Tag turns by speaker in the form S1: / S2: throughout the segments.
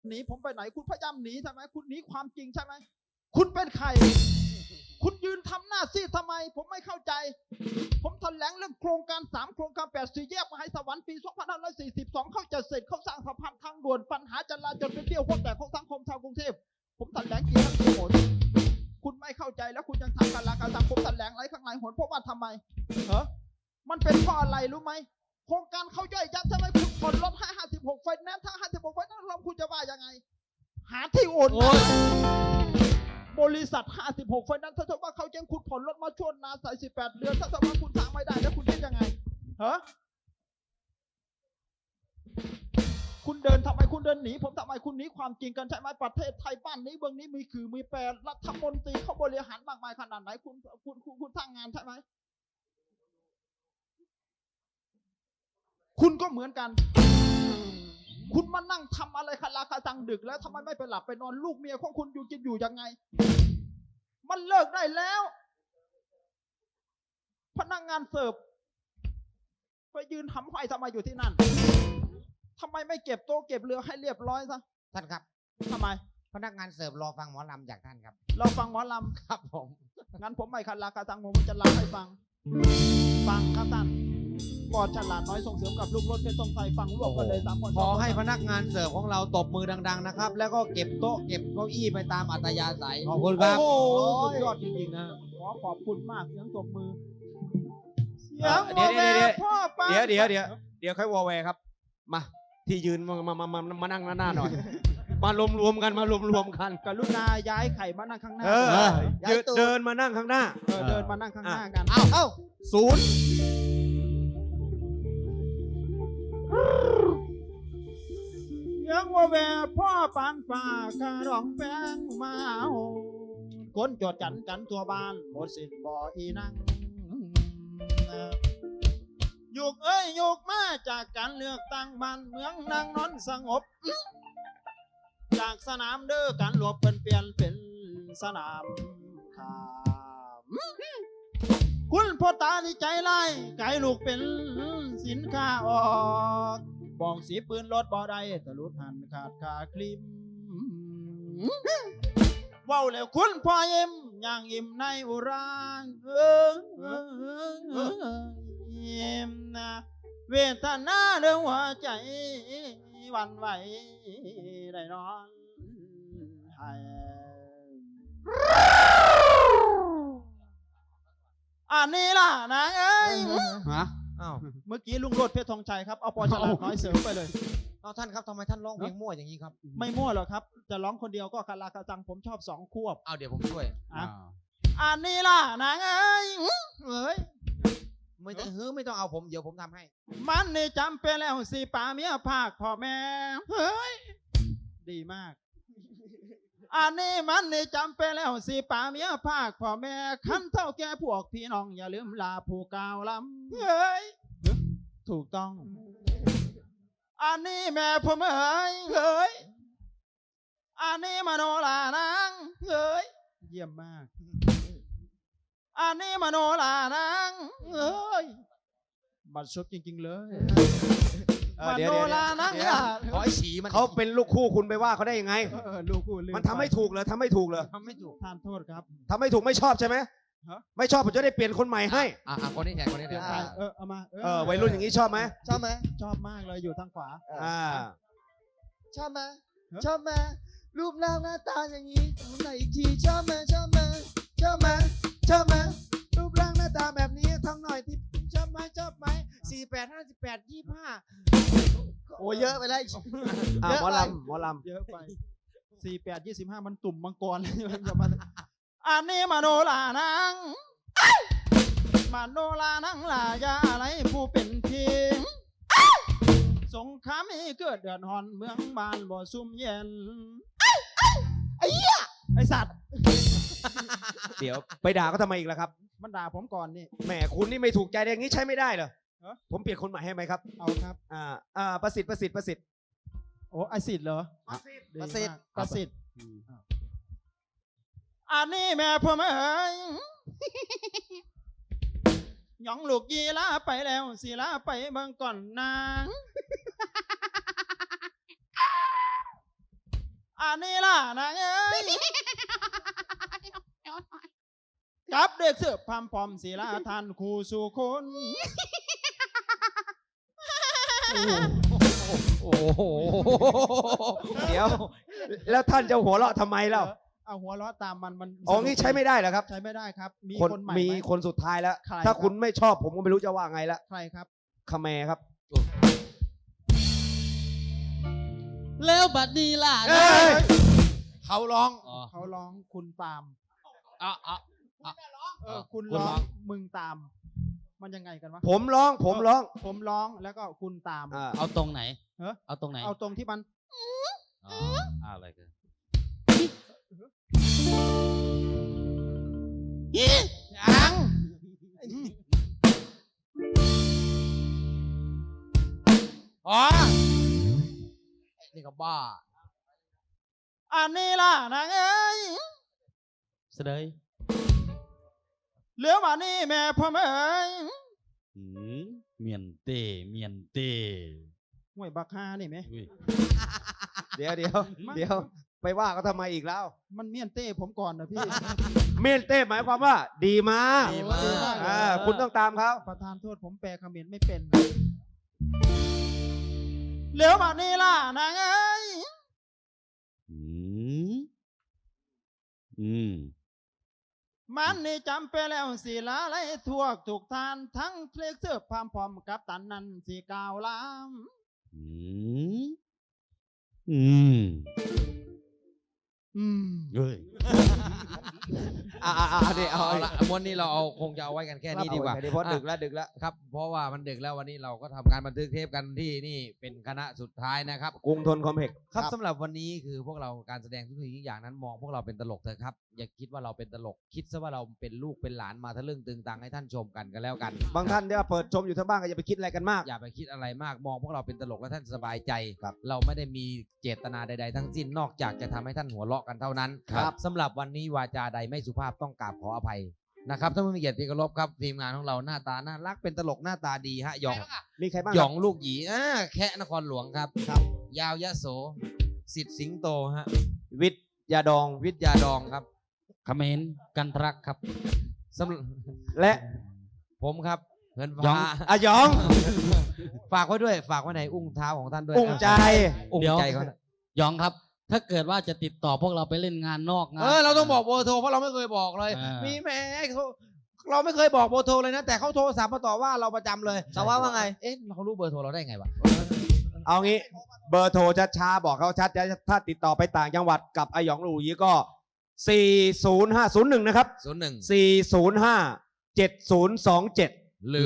S1: หนีผมไปไหนคุณพยายามหนีใช่ไหมคุณหนีความจริงใช่ไหมคุณเป็นใครคุณยืนทำหน้าซีดทำไมผมไม่เข้าใจผมแถลงเรื่องโครงการ3โครงการ8 4แยกมหาสวรรค์ปี2542เขาจะเสร็จเขาสร้างสะพานทางด่วนปัญหาจราจรเป็นเที่ยวพวกแต่ของสังคมชาวกรุงเทพผมแถลงกี่ครั้งกี่หนคุณไม่เข้าใจแล้วคุณยังทำการละการทำผมแถลงอะไรข้างในหนเพราะว่าทำไมมันเป็นเพราะอะไรรู้ไหมโครงการเขาย่อยยับใช่ไหมคุณผ่อนรถให้56ไฟแนนซ์ถ้า56ไฟแนนซ์เราคุณจะว่ายังไงหาที่โอนบริษัท56ไฟแนนซ์ถ้าสมมติว่าเขาแจ้งคุณผ่อนรถมาช่วงนาน48เดือนถ้าสมมติว่าคุณสร้างไม่ได้แล้วคุณคิดยังไงคุณเดินทำไมคุณเดินหนีผมทำไมคุณหนีความจริงกันใช่ไหมประเทศไทยบ้านนี้เมืองนี้มีคือมีแปรรัฐมนตรีเขาบริหารมากมายขนาดไหนคุณสร้างงานใช่ไหมคุณก็เหมือนกันคุณมานั่งทำอะไรคาราคาซังดึกแล้วทำไมไม่ไปหลับไปนอนลูกเมียของคุณอยู่จะอยู่ยังไงมันเลิกได้แล้วพนักงานเสิร์ฟไปยืนทำไฟทำไมอยู่ที่นั่นทำไมไม่เก็บโต๊ะเก็บเรือให้เรียบร้อยซะ
S2: ท่านครับ
S1: ทำไม
S2: พนักงานเสิร์ฟรอฟังหมอลำจากท่านครับ
S1: เราฟังหมอลำ
S2: ครับผม
S1: งั้นผมไม่คาราคาซังผมจะลำให้ฟังครับท่านปอดฉลาดน้อยส่งเสริมกับลูกรถเพชรทรงไทยฟังรวบกันเลย3 คน
S2: ขอให้พนักงานเสิร์ฟของเราตบมือดังๆนะครับแล้วก็เก็บโต๊ะเก็บเก้าอี้ไปตามอัธยาศัยขอบคุณครับ
S1: โอ้สุดยอดจริงๆนะขอบคุณมากเสียงตบมือเสียงพ่อป้า
S3: เดี๋ยวค่อยวอแวครับมาที่ยืนมานั่งหน้าหน่อยมารวมกัน
S1: กรุณาย้ายไข่มานั่งข้างหน้า
S3: เดินมานั่งข้างหน้า
S1: เดินมานั่งข้างหน้ากัน
S2: เอ้าศูนย์
S1: ยังว่าแวพ่อปานฝ่าคารองแป้งมาคนจดกันตัวบ้านหมดสิทธิ์บ่อีนั่งยุกยุกมาจากการเลือกตั้งบ้านเมืองนางนอนสงบจากสนามเด้อการหลวบเปลี่ยนเป็นสนามข่าวคุณพ่อตาที่ใจไล่ไก่ลูกเป็นสินค้าออกบองสีปืนรถบ่ได้ตะลุดหันขาดขาคลิมว้าวแล้วคุณพ่อยิ้มย่างยิ้มในอุรายิ้มนะเวทนาเรื่องหัวใจวันไหวได้นอนให้อันนี้ล่ะนะเอ้ยเมื่อกี้ลุงโรดเพชรธงชัยครับเอาปอฉลาดน้อยเสริมไปเลย
S2: เอาท่านครับทำไมท่านร้องเพลงมั่วอย่างนี้ครับ
S1: ไม่มั่วหรอกครับจะร้องคนเดียวก็คาราคาซังผมชอบ2 ควบ
S2: เอาเดี๋ยวผมช่วย
S1: อันนี้ล่ะนะเอ้ย
S2: ไม่ต้องเอาผมเดี๋ยวผมทำให้
S1: มันนี่จำเป็นแล้วสิป่าเมียภาคพ่อแม่เฮ้ยดีมากอันนี้มันนี่จำเป็นแล้วสิป่าเมียภาคพ่อแม่ขั้นเท่าแก่พวกพี่น้องอย่าลืมลาผู้กาวลำเฮ้ยถูกต้องอันนี้แม่ผมเฮ้ยอันนี้มโนลานางเฮ้ยเยี่ยมมากอันนี้มโนลานางเฮ้ยบัดซบจริงๆเลยมโนลานาง
S2: ขอไอ้ฉีมัน
S3: เขาเป็นลูกคู่คุณไปว่าเขาได้ยังไง
S1: ลูกคู่
S3: มันทำไม่ถูกเลยทำไม่ถูก
S1: ท่านโทษครับ
S3: ทำไม่ถูกไม่ชอบใช่ไหมไม่ชอบผมจะได้เปลี่ยนคนใหม่ให้
S2: คนนี้แทน
S1: เอามา
S3: วัยรุ่นอย่างนี้ชอบไหม
S1: ชอบมากเลยอยู่ทางขวา
S4: ชอบไหมรูปร่างหน้าตาอย่างนี้ไหนอีกทีชอบไหมรูปร่างหน้าตาแบบนี้ทำหน่อยที่ชอบไหม48 58 25โอ้เยอะไปแล้ว
S3: หมอลำ
S1: เยอะไป48 25มันตุ่มมังกรเลยอันนี้มโนลานางลายาอะไรผู้เป็นทีสงครามมีเกิดเดือดร้อนเมืองบ้านบ่ซุ่มเย็น
S4: ไอ้เหี้ย
S1: ไอสัตว์
S3: เดี๋ยวไปด่าเขาทำไมอีกล่ะครับ
S1: มันด่าผมก่อนนี่
S3: แหมคุณนี่ไม่ถูกใจอย่างนี้ใช้ไม่ได้เหรอผมเปลี่ยนคนใหม่ให้ไหมครับ
S1: เอาครับ
S3: ประสิทธิ์
S1: โอ้ไอสิทธิ์เหรอ
S4: ประสิทธิ์
S1: อันนี้แม่ผมหยองลูกยีลาไปแล้วสีลาไปเบิ่งก่อนนางอันนี้ล่ะนางเอ้ยกับเด็กเสือพามพอมศิลาทานครูสู่คน
S2: โอ้โห
S3: เดี๋ยว แล้วท่านจะหัวเราะทำไมเล่า
S1: เอาหัวเราะตามมัน
S3: อ๋องี้ใช้ไม่ได้เหรอครับ
S1: ใช้ไม่ได้ครับ มี
S3: คน
S1: คนใหม่
S3: มี
S1: ไหม
S3: คนสุดท้ายแล้ว
S1: ใคร
S3: ถ้า
S1: ครับ
S3: คุณไม่ชอบผมก็ไม่รู้จะว่าไงละ
S1: ใครครับ
S3: คาแมครับ
S5: แล้วบัดนี้ล่ะ
S3: เอ้ย
S2: เขาร้อง
S1: เขาร้องคุณตาม
S5: อ่ะ
S1: คุณ
S5: คุณ
S1: ร้
S5: ร้
S1: อ
S5: อง ง
S1: มึงตาม มันยังไงกันวะ
S3: ผมร้อง
S1: ผมร้องแล้วก็คุณตาม
S3: อ่า
S5: เอาตรงไหน
S1: เอ้อ
S5: เอาตรงไหน
S1: เอาตรงที่มัน
S5: อ๋ออะไรกัน
S2: ยัง อ๋อไอ้นี่ก็บ้า
S1: อันนี้ล่ะนางเอ้ย
S5: เสดย
S1: เหลือมานี่แม่พ่อเอ้ย
S5: หืมเมียนเต้เมียนเต้
S1: ห่วยบักฮานี่ไหม
S5: อุ้ย
S3: เดี๋ยวเดี๋ยวเดี๋ยวไปว่าเขาทำไมอีกแล้ว
S1: มันเมียนเต้ผมก่อนนะพี่
S3: เมนเต้หมายความว่า ดีมาก
S2: ดีมาก
S1: ดีมาก
S3: อ่าคุณต้องตามเขา
S1: ประธานโทษผมแปลเขมรไม่เป็นเหลือมานี่ล่ะนางเอ้ย
S5: หืมอืม
S1: มันนี่จำไปแล้วสิลาไล่ทั่วถูกทานทั้งเพลงเสื้อพามพร้อมกับตันนั้นสีกาวลาม
S5: อืมอืม
S1: อืม
S5: เฮ้ย
S3: เดี๋ยวเอา
S2: เอาละม้วนนี้เราเอาคงจะเอาไว้กันแค่นี้ดีกว่า
S3: เพราะดึกแล้วดึกแล้ว
S2: ครับ เพราะว่ามันดึกแล้ววันนี้เราก็ทำการบันทึกเทปกันที่นี่เป็นคณะสุดท้ายนะครับ
S3: กรุงทนคอมเพล็กซ์
S2: ครับสำหรับวันนี้คือพวกเราการแสดงทุกสิ่งทุกอย่างนั้นมองพวกเราเป็นตลกเถอะครับอย่าคิดว่าเราเป็นตลกคิดซะว่าเราเป็นลูกเป็นหลานมาทะลึ่งตึงตังให้ท่านชมกันแล้วกัน
S3: บางท่านที่ว่าเปิดชมอยู่ทั้งบ้านก็อย่าไปคิดอะไรกันมาก
S2: อย่าไปคิดอะไรมากมองพวกเราเป็นตลกแล้วท่านสบายใจ
S3: ครับ
S2: เราไม่ได้มีเจตนาใดๆทั้งสิ้นนอกจากจะทำให้ท่านหัวเราะกันเท่านั้น
S3: ครับ
S2: สำหรับวันนี้วาจาใดไม่สุภาพต้องกราบขออภัยนะครับท่านผู้มีเกียรติที่เคารพครับทีมงานของเราหน้าตาน่ารักเป็นตลกหน้าตาดีฮะหยอง
S3: มีใครบ้าง
S2: หยองลูกหยีแคะนครหลวงครับ ยาวยะโสสิทธิ์สิงโตฮะ
S3: วิทยาดอง
S2: วิทยาดองครับ
S5: เขมรกันทรักครับ
S2: สำหรับ
S3: และ
S2: ผมครับเงิน
S5: หยอ
S2: ฟ้าง
S3: อะหยอง
S2: ฝากไว้ด้วยฝากไว้ในอุ้งเท้าของท่านด้วย
S3: อุ้งใจ
S2: อุ้ง
S5: เดี๋ยว
S2: ใจเขา
S5: ยองครับ ถ้าเกิดว่าจะติดต่อพวกเราไปเล่นงานนอกงาน
S2: เราต้องบอกเบอร์โทรเพราะเราไม่เคยบอกเลย
S5: อ่ามี
S2: มีแหม่เขาเราไม่เคยบอกเบอร์โทรเลยนะ แต่เขาโทรศัพท์มาต่อว่าเราประจำเลยแต่ว่าไงเอ๊ะเรารู้เบอร์โทรเราได้ไงวะ
S3: เอางี้เบอร์โทรช้าๆบอกเขาชัดถ้าติดต่อไปต่างจังหวัดกับอาหยองหลูยีก็ 40501 นะครับ 405 7027
S2: หรือ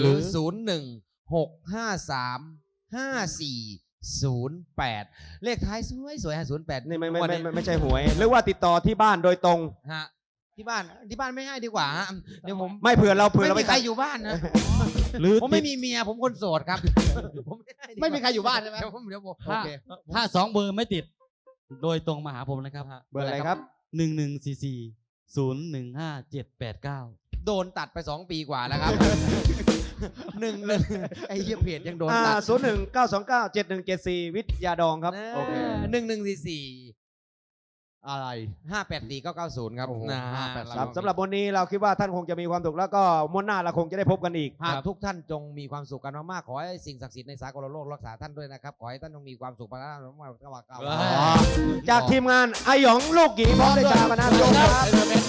S2: 01-653-5408 เลขท้ายสวยๆ08
S3: นี่ไม่
S2: วันนี้
S3: ไม่ใช่หวย หรือว่าติดต่อที่บ้านโดยตรง
S2: ฮะที่บ้านไม่ให้ดีกว่าฮะเดี๋ยวผม
S3: ไม่เผื่อเรา
S2: ไม่
S3: ไป
S2: มีใครอยู่บ้านนะ
S5: หรือ
S2: ผมไม่มีเมียผมคนโสดครับผมด้
S1: ไม่มีใครอยู่บ้านใช่ไหม
S2: เดี๋ยวผม
S5: ถ้าถ้าสองเบอร์ไม่ติด โดยตรงมาหาผมนะครับ
S3: เบอร์อะไรครับ
S5: 1144015789
S2: โดนตัดไป2 ปีกว่าแล้วครับ หนึ่งไอ้เหี้ยเพจยังโดนตัด
S3: 019297174 วิทยาดองครับ โอเค
S2: 1144
S1: อะไร
S2: 584-990 ครับ
S3: โอ้โห
S2: นะ
S3: ครับสำหรับวันนี้เราคิดว่าท่านคงจะมีความสุขแล้วก็ม้วนหน้าเราคงจะได้พบกันอีก
S2: หากทุกท่านจงมีความสุขกันมากๆขอให้สิ่งศักดิ์สิทธิ์ในสากลโลกรักษาท่านด้วยนะครับ ขอให้ท่านจงมีความสุขมากๆ
S3: จากทีมงานอาหยองลูกหยีพร้อมด้วยชาบรรณาชมครับ